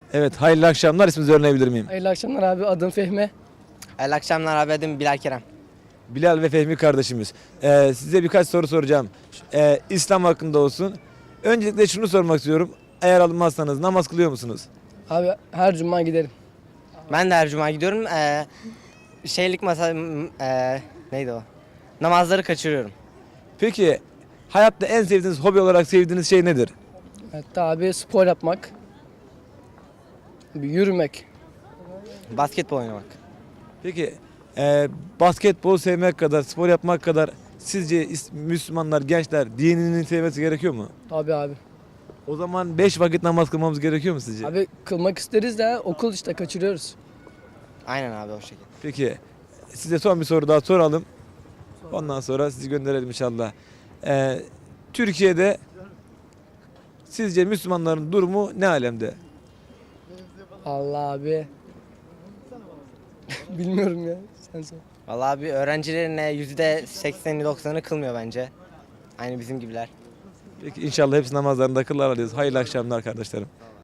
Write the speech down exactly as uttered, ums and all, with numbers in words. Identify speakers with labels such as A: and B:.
A: Evet, hayırlı akşamlar. İsminizi öğrenebilir miyim?
B: Hayırlı akşamlar abi. Adım Fehmi.
C: Hayırlı akşamlar abi, adım Bilal Kerem.
A: Bilal ve Fehmi kardeşimiz. Ee, size birkaç soru soracağım. Ee, İslam hakkında olsun. Öncelikle şunu sormak istiyorum. Eğer alınmazsanız namaz kılıyor musunuz?
B: Abi her cuma giderim.
C: Ben de her cuma gidiyorum. Ee, şeylik masa m- ee, neydi o? Namazları kaçırıyorum.
A: Peki hayatta en sevdiğiniz, hobi olarak sevdiğiniz şey nedir?
B: Hatta abi spor yapmak. Bir yürümek.
C: Basketbol oynamak.
A: Peki e, basketbol sevmek kadar, spor yapmak kadar sizce is- Müslümanlar, gençler dinini sevmesi gerekiyor mu?
B: Tabii abi.
A: O zaman beş vakit namaz kılmamız gerekiyor mu sizce?
B: Abi kılmak isteriz de okul işte kaçırıyoruz.
C: Aynen abi, o şekilde.
A: Peki size son bir soru daha soralım. Ondan sonra sizi gönderelim inşallah. Ee, Türkiye'de sizce Müslümanların durumu ne alemde?
B: Allah abi. Bilmiyorum ya. Sen sor.
C: Vallahi abi, öğrencilerin yüzde sekseni doksanı kılmıyor bence. Aynı bizim gibiler.
A: Peki inşallah hepsi namazlarında kılarlar diyoruz. Hayırlı akşamlar kardeşlerim.